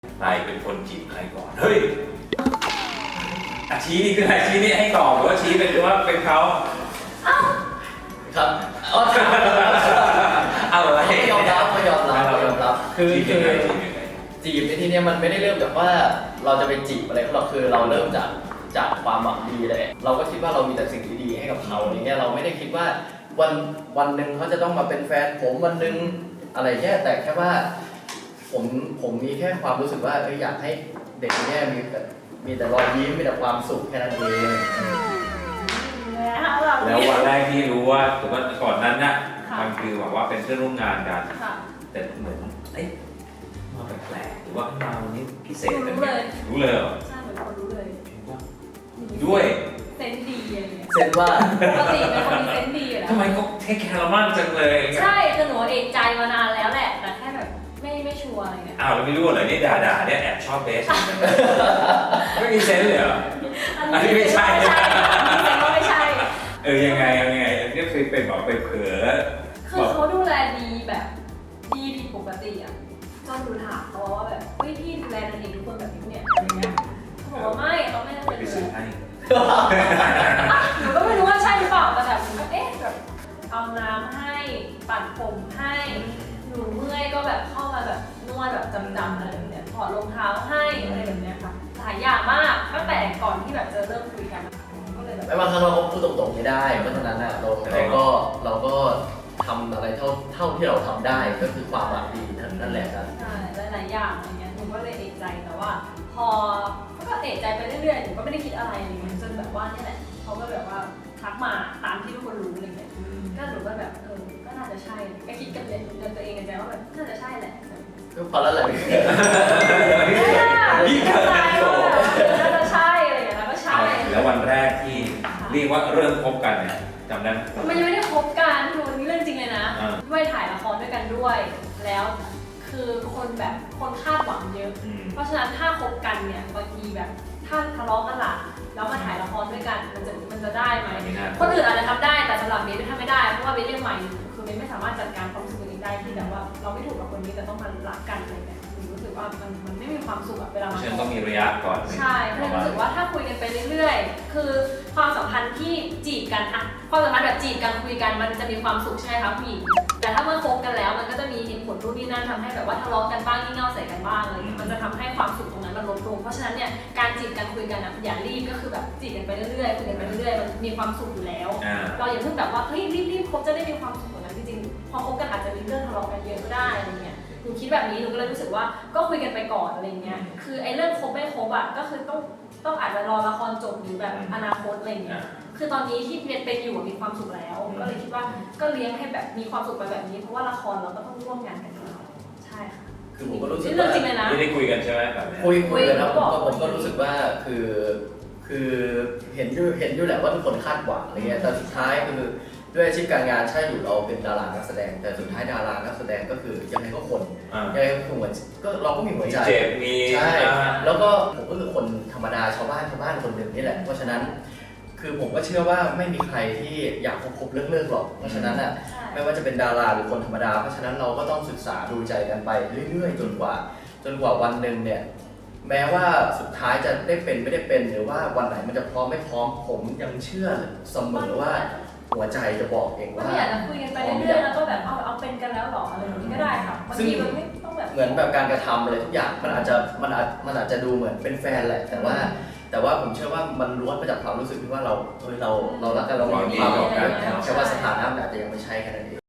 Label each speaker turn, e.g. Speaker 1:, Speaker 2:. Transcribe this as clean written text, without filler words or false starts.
Speaker 1: ใครเป็นคนจีบใครก่อนเฮ้ยชี้นี่คืออะไรชี้นี่ให้ตอบหรือว่าชี้เป็นว่าเป็นเขา
Speaker 2: ครับ
Speaker 1: เอาอะไร
Speaker 2: ไม่ยอมรับคือจีบในที่นี้มันไม่ได้เริ่มจากว่าเราจะไปจีบอะไรเขาหรอกคือเราเริ่มจากความหวังดีเลยเราก็คิดว่าเรามีแต่สิ่งดีๆให้กับเขาอย่างเงี้ยเราไม่ได้คิดว่าวันหนึ่งเขาจะต้องมาเป็นแฟนผมวันหนึ่งอะไรแค่แต่แค่ว่าผมมีแค่ความรู้สึกว่าอยากให้เด็กเนี่ยมีแต่รอยยิ้มมีแต่ความสุขแค่นั้นเอง
Speaker 1: แล้ววันแรกที่รู้ว่าถือว่าก่อนนั้นน่ะมันคือแบบว่าเป็นเพื่อนร่วมงานกันแต่เหมือนเอ๊ะมาแปลกๆหรือว่ามาวันนี้พิเศษกันรู้เลยเหรอ
Speaker 3: ใช่เหมือนคนรู้เลย
Speaker 1: ด้วย
Speaker 3: เซนส์ดีอะไรเงี้ย
Speaker 2: เซนว่า
Speaker 3: ปกติเป็นคนมีเซนส์ดีอยู่แล้ว
Speaker 1: ทำไมเขาเทคแคร์เรามากจังเลย
Speaker 3: ใช่คือหนูเอกใจมานานแล้วแหละแต่แค่แบบไม่ชัวร์อะไรเงี้ย
Speaker 1: อ้าวเราไม่รู้เหรอนี่ด่าเนี่ยแอบชอบเบสไม่มีเซนส์เลยเหรอ อันนี้ไม่ใช่
Speaker 3: ไม่ใช่
Speaker 1: ยังไงนี่เคยเป็นแบบไปเผลอ
Speaker 3: คือเขาดูแลดีแบบดีผิดปกติอ่ะจนหนูถามเขาว่าแบบเฮ้ยพี่ดูแลนางเอกทุกคนแบบนี้เนี่ยอะไรเงี้ยเขาบอกว่าไม่เขาไม่ได้
Speaker 1: ไป
Speaker 3: เป็น
Speaker 1: ซื้อ
Speaker 3: เลย
Speaker 1: ให้
Speaker 3: หนูก็ไม่รู้ว่าใช่หรือเปล่าแต่แบบหนูก็เอ๊ะแบบเอาน้ำให้ปั่นผมให้หนูเมื่อยก็แบบเข้ามาแบบนวดแบบจำๆอะไรแบบเนี้ยถอดรองเท้าให้อะไรแบบเนี้ยค่ะหลายอย่างมากตั้งแต่ก่อนที่แบบจะเริ่มคุยกันก็เลยแบบ
Speaker 2: ไม่บางครั้งเราก็พูดตรงๆไม่ได้เพราะฉะนั้นอ่ะเราก็ทำอะไรเท่าที่เราทำได้ก็คือความหวังดีนั่นแหละครับ
Speaker 3: ใช่หลายๆอย่างอะไรเงี้ยหนูก็เลยเอะใจแต่ว่า พอก็เอะใจไปเรื่อยๆหนูก็ไม่ได้คิดอะไรอะไรเงี้ยจนแบบว่านี่แหละเขาก็แบบว่าทักมาตามที่ทุกคนรู้อะไรเงี้ยก็หนูก็แบบก็น่าจะใช่ก็คิดกับตัวเองในใจว่าแบบน่าจะใช่แหละ
Speaker 2: ก็พอแล้วแหละ
Speaker 1: ยิ่งเกิด
Speaker 3: น่าจะใช่อะไรอย่างเงี้ยแล้วก็ใช่
Speaker 1: แล้ววันแรกที่เรียกว่าเริ่มคบกันเนี่ยจำได้ไหม
Speaker 3: มันยังไม่ได้คบกันคือมันเรื่องจริงเลยนะด้วยถ่ายละครด้วยกันด้วย แล้วคือคนคาดหวังเยอะ เพราะฉะนั้นถ้าคบกันเนี่ยบางทีแบบถ้าทะเลาะกันล่ะแล้วมาถ่ายละครด้วยกันมันจะได้ไหมคนอื่นอาจจะทำได้แต่สำหรับเบสทำไม่ได้เพราะว่าเบสยังใหม่อยู่คือเบสไม่สามารถจัดการความรู้สึกตัวเองได้ที่แบบว่าเราไม่ถูกกับคนนี้แต่ต้องมารักกันอะไรแบบรู้สึกว่ามันไม่มีความสุขเวลามา
Speaker 1: ฉันต้องมีระยะก่อน
Speaker 3: ใช่ก็เลยรู้สึกว่าถ้าคุยกันไปเรื่อยๆคือความสัมพันธ์ที่จีบกันอะความสัมพันธ์แบบจีบกันคุยกันมันจะมีความสุขใช่ไหมคะผู้หญิงแต่ถ้าเมื่อคบกันแล้วมันก็จะมีเหตุผลนู่นนี่นั่นทำให้แบบว่าทะเลาะกันบ้างงี่เง่าใส่กันบ้างเลยมันจะทำให้ความสุขตรงนั้นมันลดลงเพราะฉะนั้นเนี่ยการจีบกันคุยกันอะอย่ารีบก็คือแบบจีบกันไปเรื่อยๆคุยกันไปเรื่อยๆมันมีความสุขอยู่แล้วเราอย่าเพิ่งแบบว่าเฮ้ยรีบคบจะได้มีความสุขตรงนั้นจริงๆพอคบกันอาจจะมีเรื่องทะเลาะกันเยอะก็ได้อะไรเงี้ยหนูคิดแบบนี้หนูก็เลยรู้สึกว่าก็คุยกันไปก่อนอะไรเงี้ยคือไอ้เรื่องคบไม่คบอะก็คือต้องอาจจะรอละครจบหรือแบบอนาคตอะไรเงี้ยคือตอนนี้ที่เป็นอยู่มีความสุขแล้วก็เลยคิดว่าก็เลี้ยงให้แบบมีความสุขไปแบบนี้เพราะว่าละครเราก็ต้องร่วมงานกันอยู่แล้วใช่ค่ะ
Speaker 2: คือผมก็รู้สึก
Speaker 3: เรื่องจริงเลยนะ
Speaker 1: ไม่ได้คุยกันใช่ไหมแบบนี้
Speaker 2: คุยกันแล้วผมก็รู้สึกว่าคือเห็นอยู่แหละว่าทุกคนคาดหวังอะไรเงี้ยแต่สุดท้ายคือด้วยอาชีพการงานใช่อยู่เราเป็นดารานักแสดงแต่สุดท้ายดารานักแสดงก็คือยังไงก็คนยังไงก็คือเราก็มีหัวใจ
Speaker 1: เจ็บมี
Speaker 2: ใช่แล้วก็ผมก็คือคนธรรมดาชาวบ้านคนหนึ่งนี่แหละเพราะฉะนั้นคือผมก็เชื่อว่าไม่มีใครที่อยากคบเลิกหรอกเพราะฉะนั้นอ่ะไม่ว่าจะเป็นดาราหรือคนธรรมดาเพราะฉะนั้นเราก็ต้องศึกษาดูใจกันไปเรื่อยๆจนกว่าวันหนึ่งเนี่ยแม้ว่าสุดท้ายจะได้เป็นไม่ได้เป็นหรือว่าวันไหนมันจะพร้อมไม่พร้อมผมยังเชื่อเสมอว่าหัวใจจะบอกเองว่า
Speaker 3: ไม่อยากจะคุยกันไปเรื่อยๆแล้วก็แบบเอาเป็นกันแล้วหรออะไรแบบนี้ก็ได้ค่ะบางทีมันไม่ต้องแบบ
Speaker 2: เหมือนแบบการกระทำอะไรทุกอย่างมันอาจจะดูเหมือนเป็นแฟนแหละแต่ว่าผมเชื่อว่ามันล้วนมาจากความรู้สึกที่ว่าเรารักกันเรามีความรักกันแค่ว่าสถานะมันอาจจะยังไม่ใช่แค่นั้นเอง